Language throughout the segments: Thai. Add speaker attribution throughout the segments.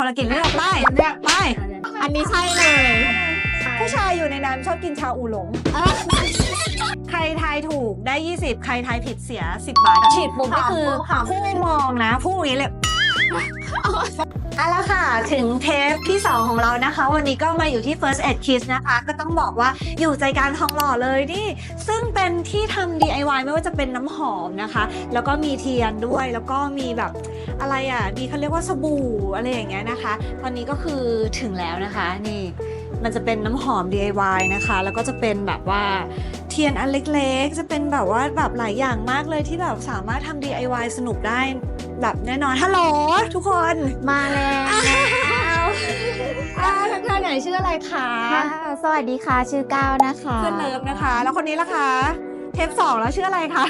Speaker 1: ละกลิ่นเลือกไป
Speaker 2: อันนี้ใช่เลย
Speaker 1: ผู้ชายอยู่ในนั้นชอบกินชาอูหลงใครทายถูกได้20ใครทายผิดเสีย10 บาทฉีดปุ๊บก็คือผู้มองนะผู้อย่างนี้เลยเอาละค่ะถึงเทปที่ 2ของเรานะคะวันนี้ก็มาอยู่ที่ First Aid Kiss นะคะก็ต้องบอกว่าอยู่ใจกลางทองหล่อเลยนี่ซึ่งเป็นที่ทำ DIY ไม่ว่าจะเป็นน้ำหอมนะคะแล้วก็มีเทียนด้วยแล้วก็มีแบบอะไรมีเขาเรียกว่าสบู่อะไรอย่างเงี้ยนะคะตอนนี้ก็คือถึงแล้วนะคะนี่มันจะเป็นน้ำหอม DIY นะคะแล้วก็จะเป็นแบบว่าเทียนอันเล็กๆจะเป็นแบบว่าแบบหลายอย่างมากเลยที่แบบสามารถทำ DIY สนุกได้แบบแน่นอนฮัลโหลทุกคน
Speaker 2: มาแล้ว
Speaker 1: ทักทายหน่อยชื่ออะไรคะ
Speaker 2: สวัสดีค่ะชื่อก้าวนะคะ
Speaker 1: เพื่อนเลิฟนะคะแล้วคนนี้ล่ะคะเทป 2แล้วชื่ออะไรคะ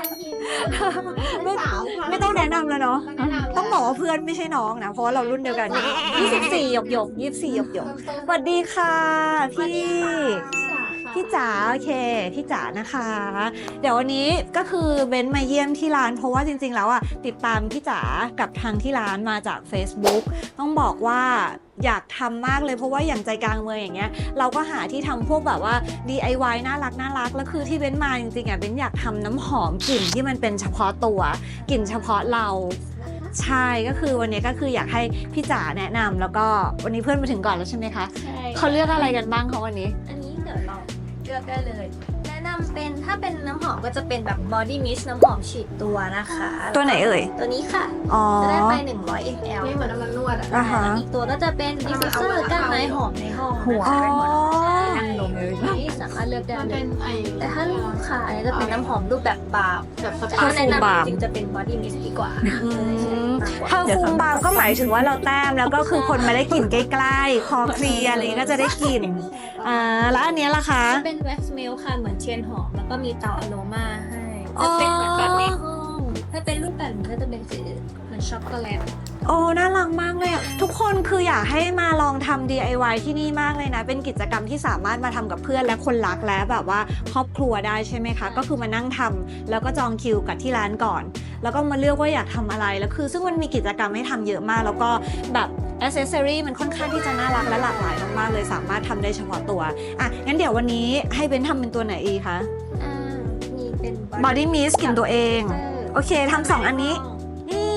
Speaker 1: ไม่ต้องแนะนำแล้วเนาะต้องบอกว่าเพื่อนไม่ใช่น้องนะเพราะว่าเรารุ่นเดียวกัน24หยก24หยกสวัสดีค่ะพี่จ๋าโอเคพี่จ๋านะคะเดี๋ยววันนี้ก็คือเบนมาเยี่ยมที่ร้านเพราะว่าจริงๆแล้วติดตามพี่จ๋ากับทางที่ร้านมาจาก Facebook ต้องบอกว่าอยากทำมากเลยเพราะว่าอย่างใจกลางเมืองอย่างเงี้ยเราก็หาที่ทำพวกแบบว่า DIY น่ารักแล้วคือที่เบนมาจริงๆเบนอยากทำน้ำหอมกลิ่นที่มันเป็นเฉพาะตัวกลิ่นเฉพาะเราใช่ก็คือวันนี้ก็คืออยากให้พี่จ๋าแนะนำแล้วก็วันนี้เพื่อนมาถึงก่อนแล้วใช่ไหมคะใช่เขาเลือกอะไรกันบ้างเขาวันนี้
Speaker 3: อันนี้เดี๋ยวเราเลือกได้เลยแนะนำเป็นถ้าเป็นน้ำหอมก็จะเป็นแบบ body mist น้ำหอมฉีดตัวนะคะ
Speaker 1: ตัวไหนเอ่ย
Speaker 3: ตัวนี้ค่ะจะได้ไป100 ml
Speaker 2: ไม่เหมือนน้ำมันนวด
Speaker 3: อีกตัวก็จะเป็น diffuser ก้านไม้หอมในห้อง
Speaker 1: หัว
Speaker 3: นั่งลงเลยนี่สามารถเลือกได้เลยแต่ถ้าลูกค้าเนี่ยจะเป็นน้ำหอมรูปแบบบาร์แบบถ้าแนะนำจริงๆจะเป็น body mist ดีกว่า
Speaker 1: ถ้าฟูมบาร์ก็หมายถึงว่าเราแต้มแล้วก็คือคนมาได้กลิ่นใกล้ๆคอเคลียร์อะไรก็จะได้กลิ่นแล้วอันนี้ล่ะคะ
Speaker 3: เป็น wax melt ค่ะเหมือนเทียนหอมแล้วก็มีเตาอโรมาให้จะเป็นเหมือนแบบในห้องถ้าเป็นรูปแบบก็จะเป็นสีเหมือนช็อกโกแลต
Speaker 1: โอ้น่ารักมากเลยทุกคนคืออยากให้มาลองทำ DIY ที่นี่มากเลยนะเป็นกิจกรรมที่สามารถมาทำกับเพื่อนและคนรักและแบบว่าครอบครัวได้ใช่ไหมคะก็คือมานั่งทำแล้วก็จองคิวกับที่ร้านก่อนแล้วก็มาเลือกว่าอยากทำอะไรแล้วคือซึ่งมันมีกิจกรรมให้ทำเยอะมากแล้วก็แบบaccessory มันค่อนข้างที่จะน่ารักและหลากหลายมากๆเลยสามารถทำได้เฉพาะตัวงั้นเดี๋ยววันนี้ให้เบนทำเป็นตัวไหนอีกคะ
Speaker 3: มีเป็น
Speaker 1: body mist กลิ่นตัวเองโอเคทำ2 อันนี้นี่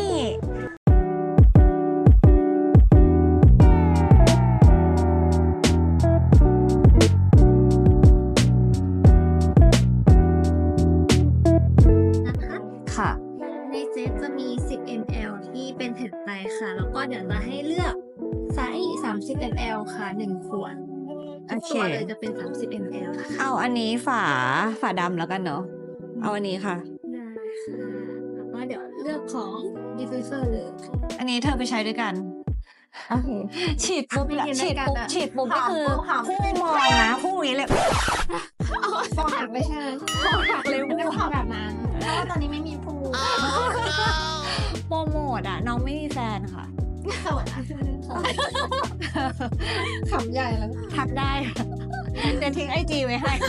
Speaker 1: ค่ะ
Speaker 3: ในเซตจะมี10 ml ที่เป็นแผ่นไปค่ะแล้วก็เดี๋ยวจะให้เลือกไซส์30 ml ค่ะ1 ขวด
Speaker 1: โอเค
Speaker 3: เลยจะเป็น30 ml นะคะ
Speaker 1: เอาอันนี้ฝาดำแล้วกันเนาะเอาอันนี้ค่ะ
Speaker 3: ได้ค่ะแล้วก็เดี๋ยวเลือกของ diffuser เลย
Speaker 1: อันนี้เธอไปใช้ด้วยกันฉีดปุ๊บก็คือผู้มองนะผู้อย่างนี้เลย
Speaker 2: ฟองหักไม่ใช่ฟองหักเร็วไม่ได้ฟองแบบนั้นเพราะว่าตอนนี้ไม่มีผู้
Speaker 1: โปรโมทน้องไม่มีแฟนค่ะ
Speaker 2: ขำใหญ่แล้ว
Speaker 1: ทักได้จะทิ้งIGไว้ให้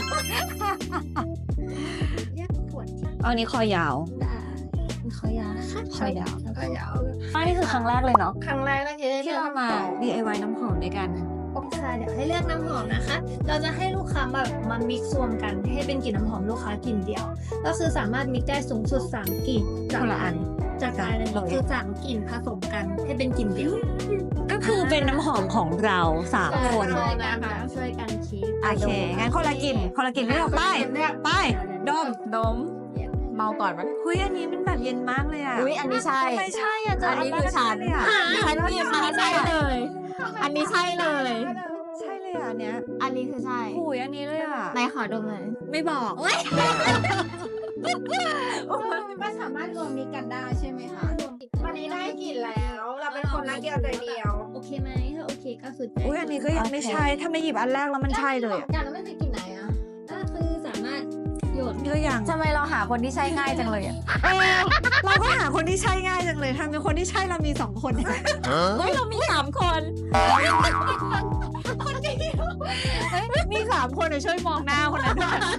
Speaker 1: อันนี้คอยาว
Speaker 3: คอยาวค่ะ
Speaker 1: คอยาวนี่คือครั้งแรกเลยเนาะ
Speaker 2: ครั้งแรก
Speaker 1: ที่เรามา DIY น้ำหอมด้วยกัน
Speaker 3: ค่ะเดี๋ยวให้เลือกน้ำหอมนะคะเราจะให้ลูกค้ามามิกซ์รวมกันให้เป็นกลิ่นน้ำหอมลูกค้ากลิ่นเดียวก็คือสามารถมิกซ์ได้สูงสุด3 กลิ่น
Speaker 1: คนละอัน
Speaker 3: จากการคือ3 กลิ่นผสมกันให้เป็นกลิ่นเดียว
Speaker 1: ก็คือเป็นน้ำหอมของเรา3 คน
Speaker 3: ช่วยกันคิด
Speaker 1: โอเคงั้นคนละกลิ่นเลือกไปดม
Speaker 2: เมาก่อนมั้ย
Speaker 1: คุยอันนี้มันแบบเย็นมากเลย
Speaker 2: อันนี้ใช่
Speaker 1: ไม่ใช่
Speaker 2: อันนี้คือฉันหยิบมาใช่เลยอันนี้ใช่เลย
Speaker 1: เนี้ย
Speaker 2: อันนี้คือใช่
Speaker 1: อันนี้เลย
Speaker 2: ไหนขอดมหน่อย
Speaker 1: ไม่บอก
Speaker 2: มันสามารถรวมมิกกันได้ใช่ไหมคะวันนี้ได้กลิ่นแล้วเราเป็นคนรักเดียวใจเดียว
Speaker 3: โอเคไหมถ้าโอเคก็สุด
Speaker 1: อันนี้ก็ยังไม่ใช่ถ้าไม่หยิบอันแรกแล้วมันใช่เลย
Speaker 2: อย่างแล้วไม่ใช่กลิ่นไหน
Speaker 3: ก็คือสามารถโยน
Speaker 1: ก็ยัง
Speaker 2: ทำไมเราหาคนที่ใช่ง่ายจังเลย
Speaker 1: เราก็หาคนที่ใช่ง่ายจังเลยทำเป็นคนที่ใช่เรามี2 คน
Speaker 2: เรามี3 คน
Speaker 1: มี3 คนช่วยมองหน้าคนนั้น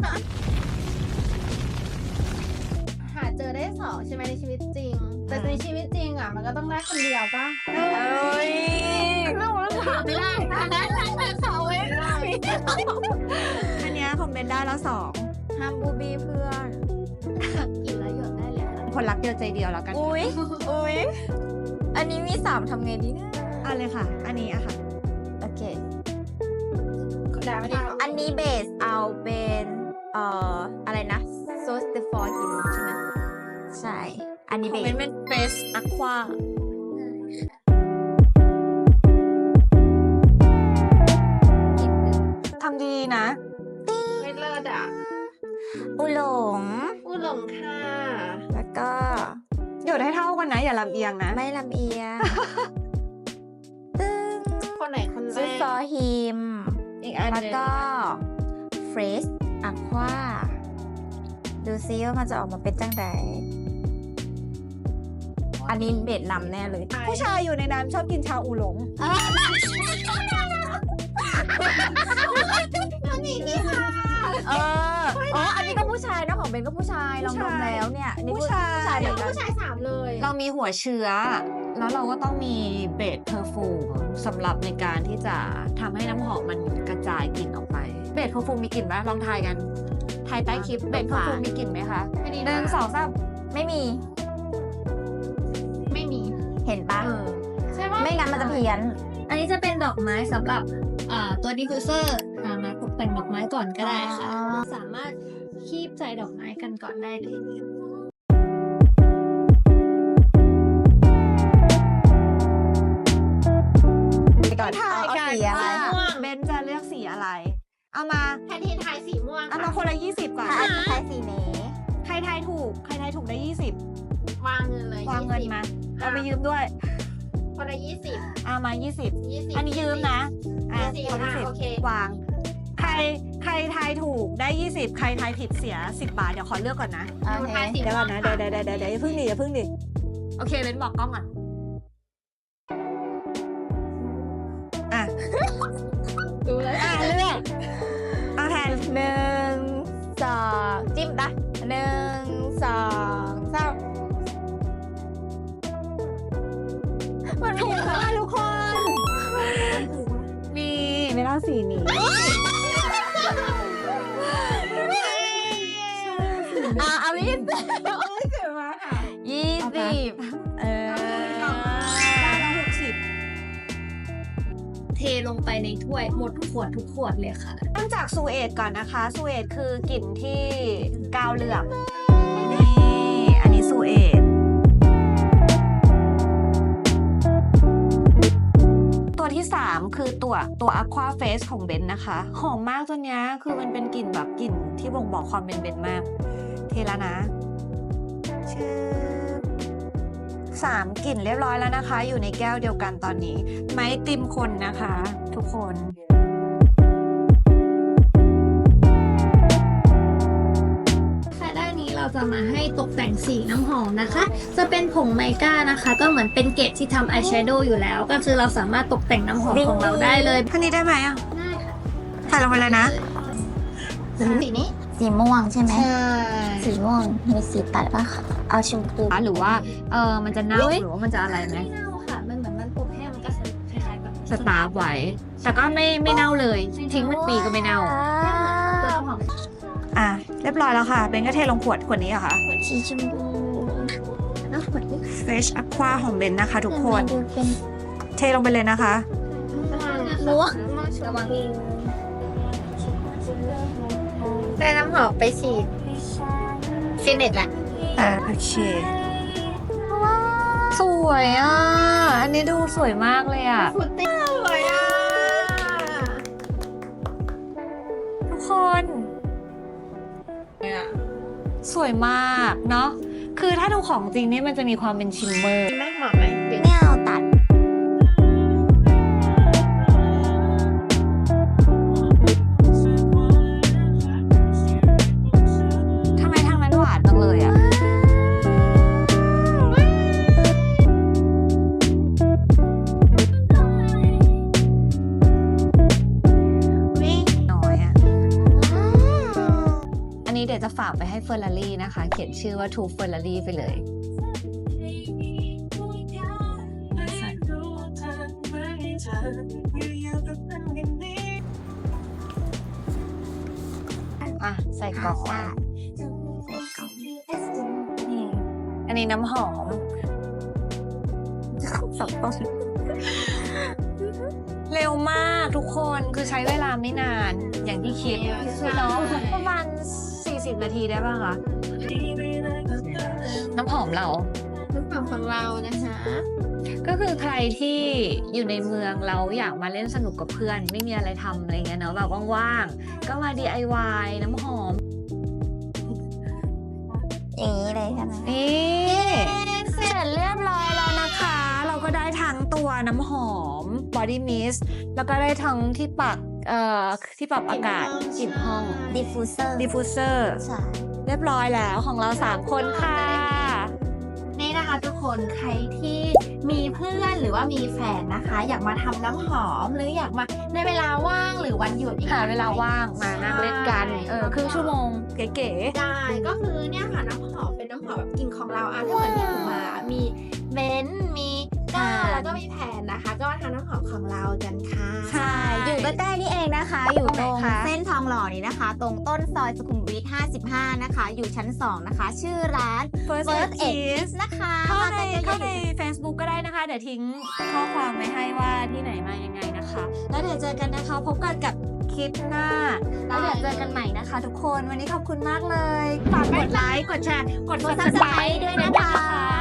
Speaker 2: หาเจอได้2ใช่ไหมในชีวิตจริงแต่ในชีวิตจริงมันก็ต้องได้คนเดียวป่ะ
Speaker 1: อันเนี้ยคอมเมนต์ได้แล้วสอง
Speaker 2: ห้ามบูบี้เพื่อน
Speaker 3: กินแล้วหยดได้เลยค่ะ
Speaker 1: คนรักเดียวใจเดียวแล้วกัน
Speaker 2: อุ้ยอันนี้มี3ทำไงดีเนี่ย
Speaker 1: เอาเลยค่ะ อันนี้อะค่ะ
Speaker 2: โอเค
Speaker 3: ได้ไม่ได้
Speaker 2: อันนี้เบสเอาเป็นอะไรนะ Sauce de for him ใช่ไหมใช่ อันนี้
Speaker 1: ค
Speaker 2: เบ
Speaker 1: อม
Speaker 2: ส
Speaker 1: เมนต์เป็นเฟสอะควาทำดีนะ
Speaker 3: ไม่เลิศอ่ะ
Speaker 2: อุหลง
Speaker 3: อูหลงค่ะ
Speaker 2: แล้วก็
Speaker 1: หยดให้เท่ากันนะ อย่าลำเอียงนะ
Speaker 2: ไม่ลำเอียง ตึ้ง
Speaker 3: คนไหนคนแร
Speaker 2: Sauce
Speaker 3: ก
Speaker 2: for him
Speaker 1: อีกอัน
Speaker 2: แล้ว
Speaker 1: หนึง
Speaker 2: ก็ Fresh Aqua ดูซิว่ามันจะออกมาเป็นจังไดอันนี้เบสนำแน่เลย
Speaker 1: ผู้ชายอยู่ในน้ำชอบกินชาอูหลง
Speaker 2: อ๋อ อันนี้ก็ผู้ชายนะของเบนก็ผู้ชายลองดมแล้วเนี่ยอันนี้
Speaker 1: ผู้ชาย
Speaker 2: ผู้ชายเหมือนกัน
Speaker 3: ผู้ชาย3เลย
Speaker 1: เรามีหัวเชื้อ แล้วเราก็ต้องมีเบสเพอร์ฟูมสำหรับในการที่จะทำให้น้ำหอมมันกระจายกลิ่นออกไป เบสเพอร์ฟูมมีกลิ่นไหมลองทายกัน ทายใต้คลิป เบสเพอร์ฟูมมีกลิ่นไหมคะ
Speaker 3: ไม่ดี
Speaker 1: หนึ่งสองสาม
Speaker 2: ไม่มี
Speaker 3: ไม่มี
Speaker 2: เห็นปะ
Speaker 3: ใช่ปะ
Speaker 2: ไม่งั้นมันจะเพี้ยน
Speaker 3: อันนี้จะเป็นดอกไม้สำหรับตัวดิฟฟิวเซอร์มาตกแต่งดอกไม้ก่อนก็ได้ค่ะ
Speaker 2: อ๋อ
Speaker 3: สามารถคีบใจดอกไม้กันก่อนได้เลย
Speaker 2: ก่อน
Speaker 1: ทาย
Speaker 2: เอา
Speaker 1: กัน
Speaker 2: สีอะไร
Speaker 1: ว่าเบนจะเลือกสีอะไร เอามา
Speaker 3: แทนที่ทายสีม่วง
Speaker 1: เอามาคนละ20ก่อน
Speaker 2: ใช้สีนี้
Speaker 1: ใครทายถูก ใครทายถูกได้ 20
Speaker 3: วางเงินเลยว
Speaker 1: างเงินมาเอาไปยืมด้วย
Speaker 3: คนละ20
Speaker 1: เอามา 20
Speaker 3: 20
Speaker 1: อันนี้ยืมนะ อ่ะ
Speaker 3: 20
Speaker 1: คน
Speaker 3: อ่ะ
Speaker 1: ละ
Speaker 3: โอเค
Speaker 1: 10วาง ใครทายถูกได้ 20 ใครทายผิดเสีย 10 บาท เดี๋ยวขอเลือกก่อนนะ
Speaker 2: โอเค
Speaker 3: ทายสี
Speaker 1: เดี๋ยว
Speaker 3: ม่
Speaker 1: ก่
Speaker 3: ว
Speaker 1: อน
Speaker 3: ง
Speaker 1: นะ เดี๋ยวอย่าเพิ่งดิอย่าเพิ่งดิ โอเคเบนบอกกล้องก่อนอ่ะ
Speaker 3: ดูเลย
Speaker 1: อ่ะเลือกเอาแทน
Speaker 2: 1 2 จิ้มปะ1 2 3มัน
Speaker 1: ถูกแล้วทุกคน นี่ไม่เล่าสีนี้
Speaker 2: เอา20 20
Speaker 1: ได้แล้ว60
Speaker 3: เทลงไปในถ้วยหมดทุกขวดเลยค่ะ
Speaker 1: เริ่มจากซูเอตก่อนนะคะ ซูเอตคือกลิ่นที่กาวเหลืองนี่อันนี้ซูเอตตัวที่ 3 คือตัว Aqua Face ของเบนนะคะ หอมมากตัวเนี้ยคือมันเป็นกลิ่นแบบกลิ่นที่บ่งบอกความเป็นเบนมาก เทแล้วนะชื่อ3 กลิ่นเรียบร้อยแล้วนะคะ อยู่ในแก้วเดียวกันตอนนี้ ไม้ติมคนนะคะ ทุกคน
Speaker 3: ค่ะด้านนี้เราจะมาให้ตกแต่งสีน้ำหอมนะคะ จะเป็นผงไมก้านะคะ ก็เหมือนเป็นเกจที่ทำอายแชโดว์อยู่แล้ว ก็คือเราสามารถตกแต่งน้ำหอมของเราได้เลย
Speaker 1: ท่านี้ได้ไหมอ่ะ
Speaker 3: ได้ค่ะ
Speaker 1: ใส่ลงไปเลยนะ
Speaker 3: สีนี้
Speaker 2: สีม่วงใช่ไหม
Speaker 3: ใช่
Speaker 2: สีม่วงมีสีตัดป่ะคะเอาชมพู
Speaker 1: หรือว่ามันจะเน่าหรือว่ามันจะอะไรไหม
Speaker 3: ไม่เน่าค่ะ มันเหมือนมันอบแห้งมันก็คล้ายๆแบบ
Speaker 1: สตาร์ฟไว้ แต่ก็ไม่เน่าเลย ทิ้งเป็นปีก็ไม่เน่า
Speaker 3: ตัวหอม
Speaker 1: อ่ะ เรียบร้อยแล้วค่ะ เป็นก็เทลงขวดนี้เหรอคะ
Speaker 2: สีชมพู
Speaker 3: แล้วขวดนี้
Speaker 1: Fresh Aqua ของเบนนะคะ ทุกคน
Speaker 2: ดูเป็น
Speaker 1: เทลงไปเลยนะคะ
Speaker 3: ม่วงระวังได้น้ำหอมไปฉีดฟินเนตแหละ
Speaker 1: โอเค สวยอ่ะ อันนี้ดูสวยมากเลยอ่ะ
Speaker 3: ฟุตตี้สวยอ่ะ
Speaker 1: ทุกคน สวยมากเนาะ คือถ้าดูของจริงนี่มันจะมีความเป็นชิมเมอร์
Speaker 3: ไม่หอมไหม
Speaker 2: ไม่เอาตัด
Speaker 1: ทำไมทางนั้นหวานจังเลยอ่ะ น้อยอ่ะ อันนี้เดี๋ยวจะฝากไปให้เฟอร์รารี่นะคะ เขียนชื่อว่า To Ferrari ไปเลย
Speaker 2: อ
Speaker 1: อ่ะใส่กล่องไว้นี่อันนี้น้ำหอมสับต้นเร็วมากทุกคนคือใช้เวลาไม่นานอย่างที่คิดเนาะประมาณ40 นาทีได้ป่ะคะน้ำหอมเรา
Speaker 3: น้ำหอมของเรานะคะ
Speaker 1: ก็คือใครที่อยู่ในเมืองแล้วอยากมาเล่นสนุกกับเพื่อนไม่มีอะไรทำอะไรเงี้ยเนาะแบบว่างๆก็มา DIY น้ำหอม
Speaker 4: อย่างนี้เลยใช่ไหม
Speaker 1: นี่เสร็จเรียบร้อยแล้วนะคะ เราก็ได้ทั้งตัวน้ำหอม body mist แล้วก็ได้ทั้งที่ปักที่ปรับอากาศกลิ่นห้อง
Speaker 4: ดิฟฟูเซอร์
Speaker 1: diffuser
Speaker 4: ใช่
Speaker 1: เรียบร้อยแล้วของเรา3 คนค่ะ
Speaker 2: นี่นะคะทุกคนใครที่มีเพื่อนหรือว่ามีแฟนนะคะ อยากมาทำน้ำหอมหรืออยากมาในเวลาว่างหรือวันหยุดอีก
Speaker 1: หาเวลาว่างมานั่งเล่นกันครึ่งชั่วโมงเก๋
Speaker 2: ได้ก็คือเนี่ยค่ะน้ำหอมเป็นน้ำหอมแบบกลิ่นของเราถ้าเหมือนที่ถูกมามีเบนซ์มีก้าแล้วก็มีแผ่นนะคะ ก็มาทำน้ำหอมของเรากันค่ะ
Speaker 1: ๆใช่
Speaker 4: อยู่ใกล้ๆนี่เองนะคะ อยู่ตรง
Speaker 1: ตรงไหนคะ
Speaker 4: เส้นทองหล่อนี้นะคะ ตรงต้นซอยสุขุมวิท 55 นะคะ อยู่ชั้น 2 นะคะ ชื่อร้าน
Speaker 1: First
Speaker 4: First
Speaker 1: Aid
Speaker 4: Aid
Speaker 1: Kiss
Speaker 4: Kiss นะคะ
Speaker 1: เข้าใน
Speaker 4: มากันเย
Speaker 1: เข้า
Speaker 4: อะ
Speaker 1: ใน
Speaker 4: ๆ
Speaker 1: Facebook ก็ได้นะคะ เดี๋ยวทิ้งข้อความไว้ให้ว่าที่ไหนมายังไงนะคะ แล้วเดี๋ยวเจอกันนะคะ พบกันกับคลิปหน้า แล้วเดี๋ยวเจอกันใหม่นะคะทุกคน วันนี้ขอบคุณมากเลย ฝากกดไลค์ กดแชร์ กด
Speaker 4: กด
Speaker 1: subscribe
Speaker 4: Subscribe ด้วยนะคะ